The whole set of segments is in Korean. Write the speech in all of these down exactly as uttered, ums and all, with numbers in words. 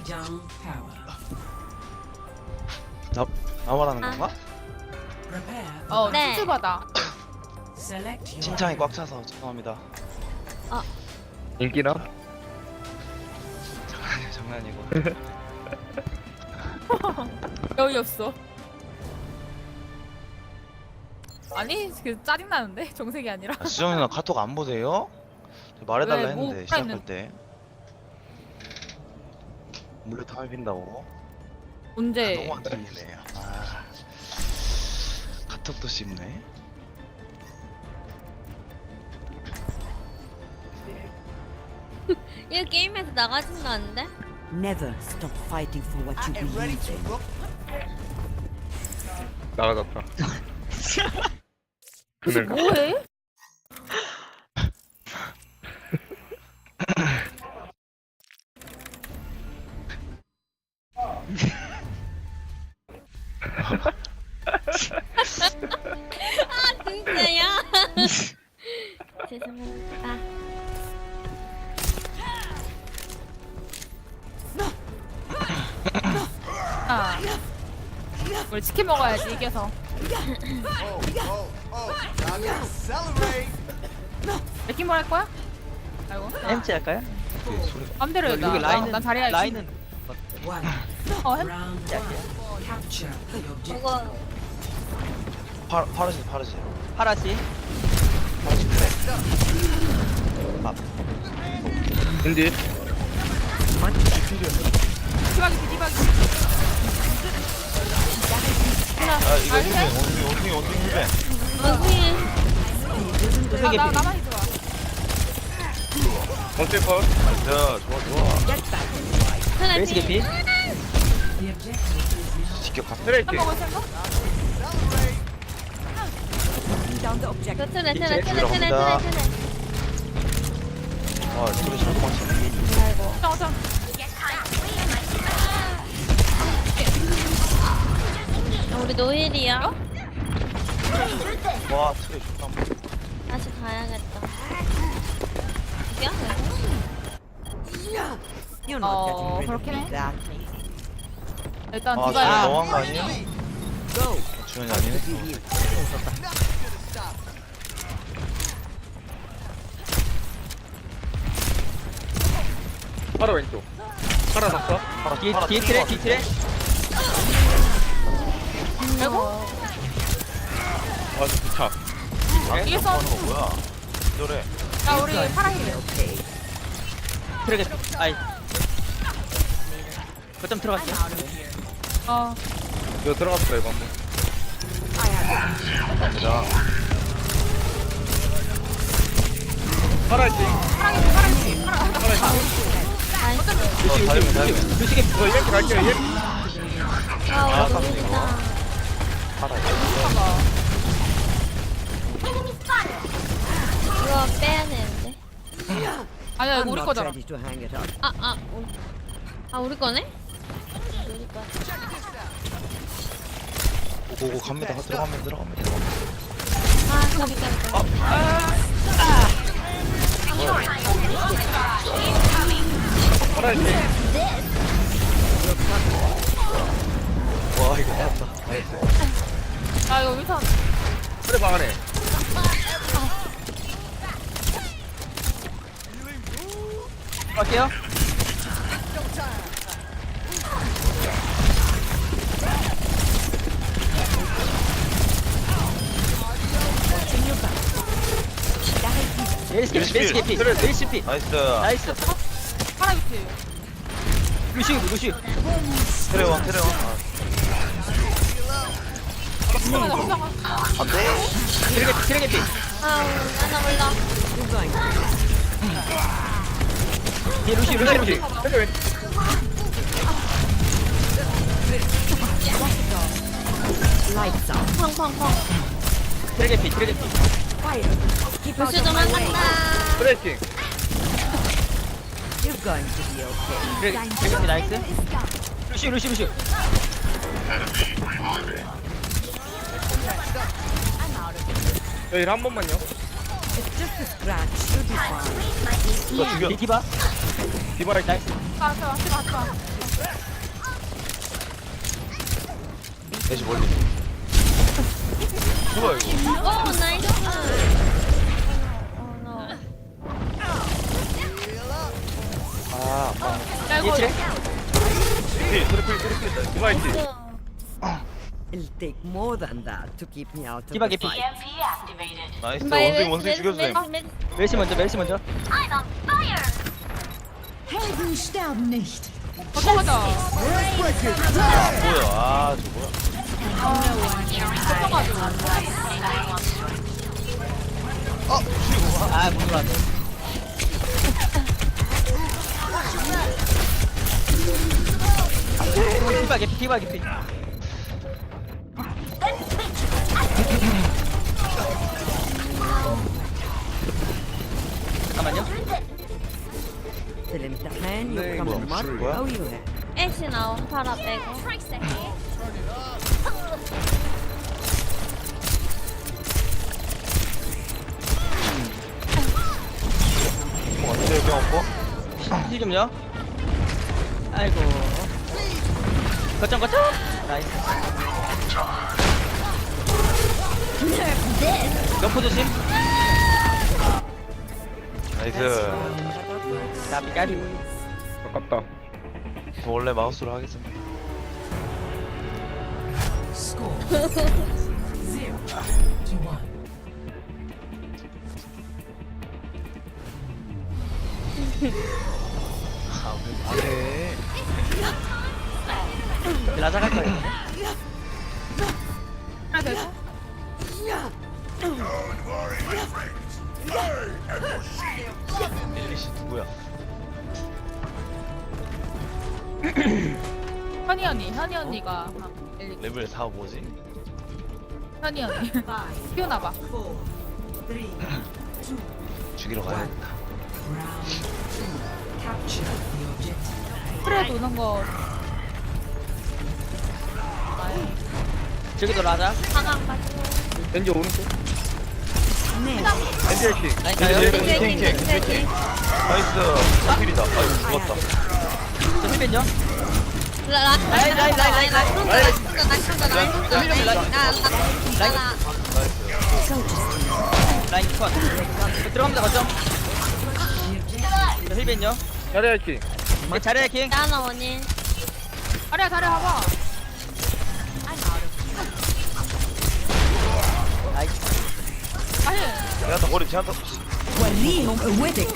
Young power. 나, 나 말하는 아. 건가? Prepare. 어, 네. 춤추바다. Select your 칭찬이 꽉 차서 죄송합니다. 인기나? 장난이야, 장난이고. 여유 없어. 아니, 그 짜증 나는데 정색이 아니라. 아, 수정이 누나 카톡 안 보세요? 저 말해달라 왜, 뭐 했는데 시작할 있는- 때. 물레 타면 빈다고? 언제? 너무 안 들리네. 아, 카톡도 씹네. 이거 게임에서 나가진다는데? Never stop fighting for what you believe in. 나가졌다. 무슨 그늘가. 뭐해? 아 진짜야? 죄송합니다. 아. 우리 치킨 먹어야지 이겨서. 맥킹볼 할 거야? 아이고. 엠치 할까요? 맘대로 해. 여기 나, 라인은 난 자리야. 라인은 one. 어, 햄? Round one. Capture the objective. 이거 파, 파르시, 파르시. 파라시 파르시 그래. 아, 인디. 디바기 디바기. 아 이거 힐벤, 원숭이, 원숭이, 원숭이 힐벤. 원숭이 나, 나 나만 좋아. 어때 컷? 나이스, 좋아, 좋아. 레이스 개피 The objective is now 직격 트레이킹. 먹을 생각? 그 트레 트레 트레 트레 들어갑니다. 트레 트레. 아, 소리 잘 도망치네. 아이고. 어, 저. 우리 노일이야? 와, 트레 좋다. 다시 가야겠다. 이겨? You're Oh, not getting rid of 그렇긴 me 해. that 일단 아, 디바야. 주연이 너무한 거 아니에요? Go. 주연이 아니네. 파라 왼쪽. 파라 덕서. 파라, 뒤에 파라 뒤에 튀는 트레 거 뒤에 트레 아이고. 아, 좋다. 같은데? 이게 아, 선- 하는 거 뭐야? 노래. 야 우리 파랑이래. 트레 개피 아이 거점 들어갔어 어. 이거 들어갔어, 이거 한번. 감사합니다. 파라이팅. 파랑이 파랑이 파랑. 어, 다리면, 다리면. 루시 개피 이거 이렇게 갈게요, 이렇게. 아 아, 우리 깜짝이야. 노일이다. 파라. 이거 빼야 되는데. 아니야 이거 I'm 우리 not 거잖아. ready to hang it up. 아, 아, 우리, 아, 우리 거네? 우리 거. 오고고 갑니다. 들어가면 들어가면 들어가면. 아, 까비, 까비, 까비. 파라이팅. 와, 이거 맞다. 나이스. 아 이거 위선. 트레 방 안에. 갈게요 레이스 개피 레이스 개피 레이스 개피 나이스. 나이스 파랑 위치. 루시 루시 트레원, 트레원. 아, 나 혼자 가. 안 돼. 트레 개피 트레 개피 아, 나나 몰라. You're going to 뒤에 루시 루시 루시 트레 왼쪽. lights out. 팡팡팡. 트레 개피 트레 개피 루시 도망간다. 트레이팅. You're going to be okay. 트레 트레 개피 나이스 루시 루시 루시 여기 한 번만요. It's just a scratch. You'll be fine. 이거 죽여. 디바 디바이팅. 나이스 아, 왔어 왔어 왔어. 애쉬 멀리. 뭐야 이거? 오 나이스. 어, 너. 아, 아. 야 이거 뒤에 트리플 트리플 트리플. 디바이스. It'll take more than that to keep me out of 디바 the 개피. fight. 나이스. 바이, 원숭이 원숭이 메- 죽여주세요. 메- 메- 멜시 먼저 멜시 먼저. Helden sterben nicht. 걱정하자. 뭐야? 아, 저 뭐야? 걱정가지고. 아, 못 놀았네. 디바 개피, 디바 개피. 잠깐만요. Till امتحان يكرم 뭐야? المرء 뭐야? أو يهان. 애쉬 나옴 팔아 빼고. 뭐 어때? 그냥 없고? 힐 좀요. 아이고. 거점 거점. 나이스. 옆포 조심. 나이스. 나비 까비. 아깝다. 저 원래 마우스로 하겠습니다. Score zero to one. 아, 왜 말해? 라자 갈 거예요. 하나 되고. 엘리씨 누구야? 현이 언니, 현이 언니가 아, 엘리. 레벨 사 뭐지? 현이 언니. Five, 피우나 봐. four, three, two, 죽이러 가야겠다. round two. Capture the objective. 프레 도는 거. 저기도 라자. 방황 가지고. 겐지 오른쪽. نام. 겐지 해킹. 라인 네, 가요. 네, 킹, 킹, 킹, 킹, 킹, 킹. 킹. 나이스. 필이다. 아이고 죽었다. 저 힐벤요. 라- 라- 라인, 라인, 라인, 라인, 라인. 혼자, 나 혼자, 나 혼자, 나 혼자, 라인, 라인, 나- 라인. 나- 나- 라인. 나- 라인 컷. 들어갑니다 거점. 저 힐벤요. 자리 해킹. 네, 잘해 킹. 나나 원인. 아래야 다리 봐봐. 나이스. 아니. 제한타 머리 제한타. وليهم قوتك.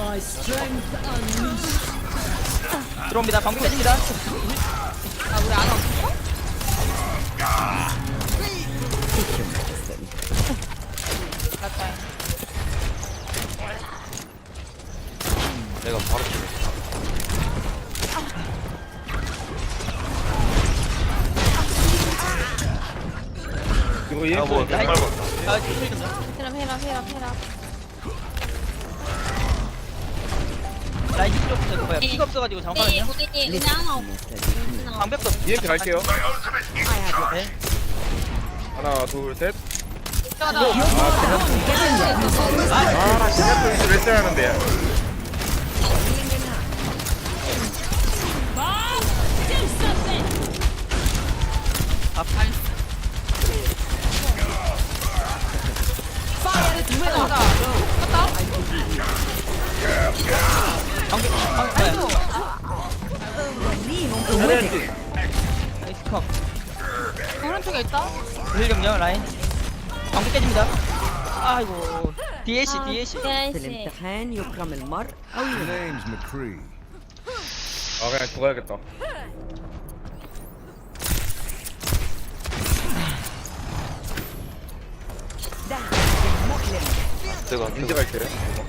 들어옵니다. 방금 깨집니다. 아 우리 안 왔어? 맞다. 내가 바로 죽였어. 이거 얘 아, 뭐, 뭐 말 라인. 봐. 아, 힐 좀. 헤라 헤라 헤라 헤라. 라인 힐 없어. 뭐야? 피가 없어가지고 우리 잠깐만요. 우리 우리 하나 없. 방벽도 없어. 이엔티 갈게요. 네. 하나, 둘, 셋. 가자. 아, 시작도 이제 몇 하는데. 아, 가자. 방벽, 방벽 뭐야? وليهم 자리 قوتك. 해킹. 나이스 컵. 오른쪽에 있다. 힐 경력 라인. 방벽 깨집니다. 아이고. 디에시, 디에시. في 대시. الامتحان يكرم المرء أو يهان. Name's McCree. 아, 그냥 죽어야겠다. 내가 겐지 갈게요.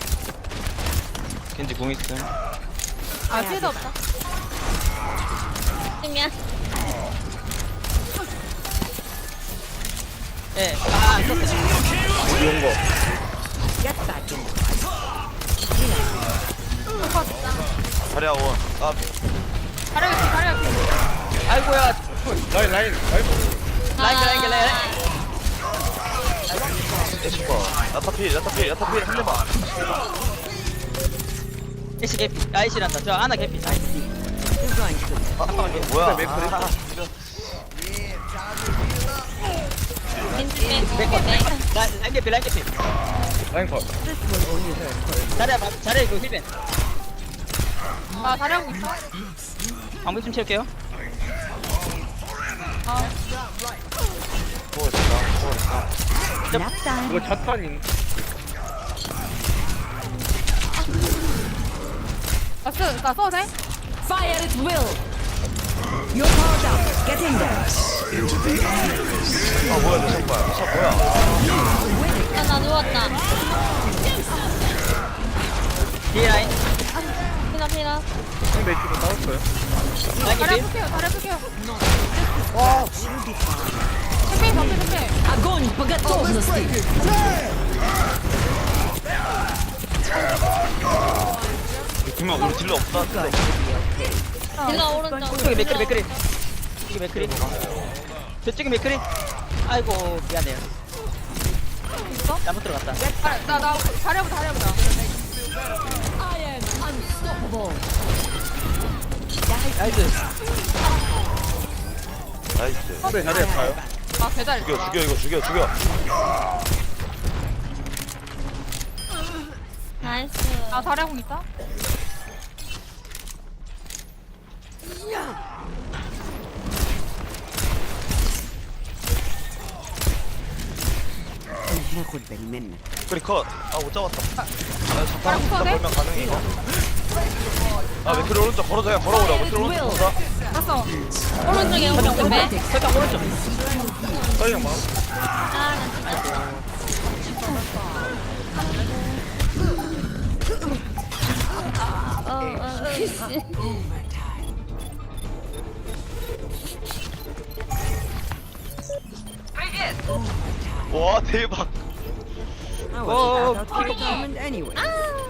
겐지 공 있음. 아 피해도 없다. 미안. 예. 아, 안 썼어. 어디 온 거? Get back in. 자리야 원. 아, 다리 옆에 다리 옆에. 아이고야. 라인, 라인, 라인. 라인, 라인, 라인, 라인. 애쉬파. 야타필, 야타필, 야타필 한 대만. 에시 개피. 아이시란다. 저 아나 개피. 나이스. going to. 잠깐만요. 뭐야? 맥 아, 겐지 빼고 맥 빼. 라인 라인 개피 라인 개피. 라인 컷. This will only hurt. 잘해 봐- 잘해 이거 힐벤. 아 자리하고 있어. 방벽 좀 채울게요. 뭐 있다, 뭐 있다. Nap time. 이거 자탄인. 나 쓰, 나 써도 돼? Fire at will. You're powered up. Get in there. 아, 뭐야, 내 샷발. 샷 뭐야? 아, 나 누웠다. 뒤에 라인. 피나 피나. 상대 지금 나왔어요. 라인 자리 개피. 해볼게요. 자리 해볼게요. You'll be fine. 캠페인 방패 캠페인. Огонь по готовности. 김아, 우리 딜러 없다. 근데. 딜러 오른쪽. 저기 맥크리 맥크리. 저기 맥크리. 저쪽에 맥크리. 아이고 미안해요. 있어? 잘못 들어갔다. 아, 나, 나 자리해보자, 자리해보자. 나이스. 나이스. 상대 자리에 가요. 아, 배달. 죽여, 죽여, 이거 죽여, 죽여. 나이스. 아, 자리하고 있다? ناخد بالي منك. 그리 컷. 아, 못 잡았다. 아, 잠깐, 바로 잠깐 컷해? 걸면 가능해, 이거. 아, 맥크리 오른쪽 걸어줘, 그냥 걸어오려. 맥크리 오른쪽 걸어서. 갔어. 오른쪽에 오른쪽 빼. 설탕 오른쪽. 설령 막. 아, 어, 어, 어, 씨. 와, 대박. I Oh, was out of retirement anyway. 아,